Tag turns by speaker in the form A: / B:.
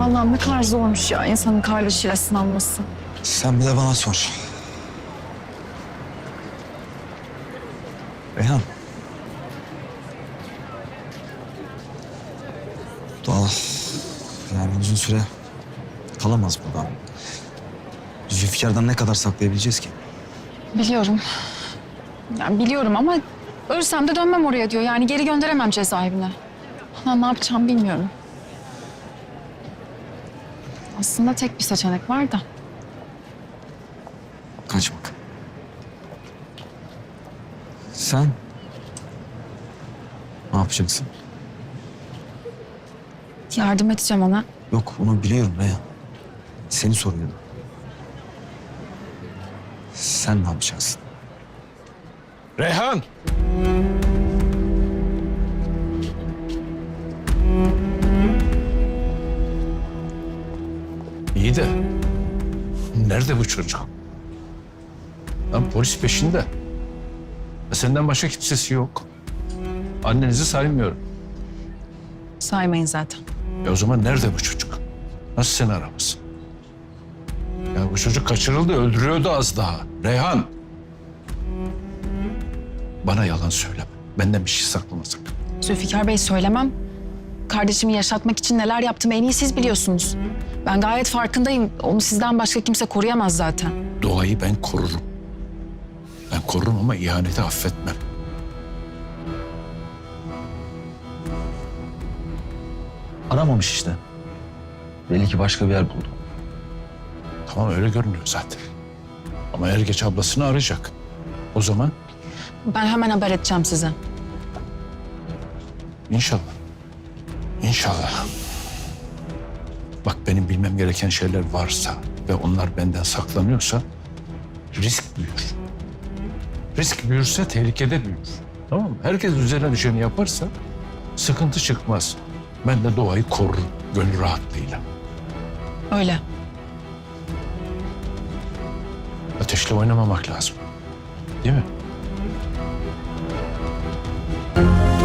A: Vallahi ne kadar zormuş ya insanın kardeşiyle sınanması.
B: Sen bir de bana sor. Reyhan. Doğal. Yani uzun süre kalamaz burada. Zülfikar'dan ne kadar saklayabileceğiz ki?
A: Biliyorum. Yani biliyorum ama ölsem de dönmem oraya diyor. Yani geri gönderemem cezaevine. Ulan ne yapacağım bilmiyorum. Aslında tek bir seçenek var da.
B: Kaçmak. Sen ne yapacaksın?
A: Yardım edeceğim ona.
B: Yok, onu biliyorum Reyhan. Seni soruyorum. Sen ne yapacaksın?
C: Reyhan! İyi de nerede bu çocuk? Lan polis peşinde. Senden başka kimsesi yok. Annenizi saymıyorum.
A: Saymayın zaten.
C: O zaman nerede bu çocuk? Nasıl seni aramaz? Ya bu çocuk kaçırıldı, öldürüyordu az daha. Reyhan! Bana yalan söyleme. Benden bir şey saklama sakın.
A: Zülfikar Bey söylemem. Kardeşimi yaşatmak için neler yaptığımı en iyi siz biliyorsunuz. Ben gayet farkındayım. Onu sizden başka kimse koruyamaz zaten.
C: Doğayı ben korurum. Ben korurum ama ihaneti affetmem.
B: Aramamış işte. Belli ki başka bir yer buldu.
C: Tamam öyle görünüyor zaten. Ama er geç ablasını arayacak. O zaman
A: Ben hemen haber edeceğim size.
C: inşallah. İnşallah. Bak benim bilmem gereken şeyler varsa ve onlar benden saklanıyorsa risk büyür. Risk büyürse tehlikede büyür. Tamam mı? Herkes üzerine düşeni yaparsa sıkıntı çıkmaz. Ben de doğayı korurum gönül rahatlığıyla.
A: Öyle.
C: Ateşle oynamamak lazım. Değil mi?